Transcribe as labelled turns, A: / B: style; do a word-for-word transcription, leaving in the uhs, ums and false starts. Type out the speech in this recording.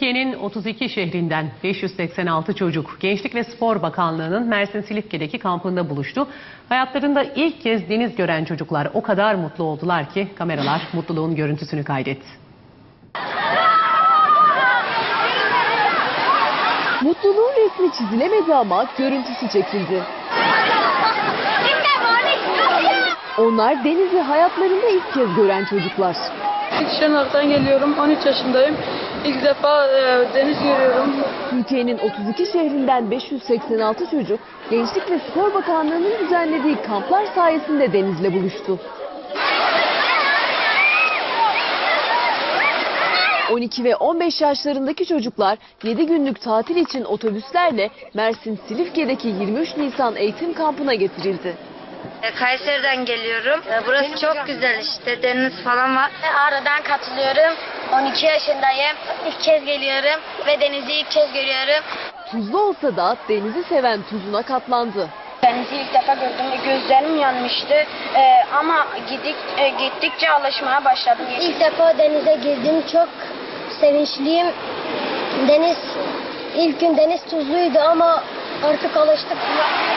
A: Türkiye'nin otuz iki şehrinden beş yüz seksen altı çocuk Gençlik ve Spor Bakanlığı'nın Mersin Silifke'deki kampında buluştu. Hayatlarında ilk kez deniz gören çocuklar o kadar mutlu oldular ki kameralar mutluluğun görüntüsünü kaydetti.
B: Mutluluğun resmi çizilemedi ama görüntüsü çekildi. Onlar denizi hayatlarında ilk kez gören çocuklar.
C: Şırnak'tan geliyorum, on üç yaşındayım. İlk defa e, deniz görüyorum.
B: Türkiye'nin otuz iki şehrinden beş yüz seksen altı çocuk Gençlik ve Spor Bakanlığı'nın düzenlediği kamplar sayesinde denizle buluştu. on iki ve on beş yaşlarındaki çocuklar yedi günlük tatil için otobüslerle Mersin Silifke'deki yirmi üç Nisan eğitim kampına getirildi.
D: Kayseri'den geliyorum. Burası çok güzel işte, deniz falan var.
E: Ağrı'dan katılıyorum. on iki yaşındayım. İlk kez geliyorum ve denizi ilk kez görüyorum.
B: Tuzlu olsa da denizi seven tuzuna katlandı.
E: Denizi ilk defa gördüm ve gözlerim yanmıştı. Ee, ama gidik, e, gittikçe alışmaya başladım. İlk defa denize girdim. Çok sevinçliyim. Deniz, ilk gün deniz tuzluydu ama artık alıştık.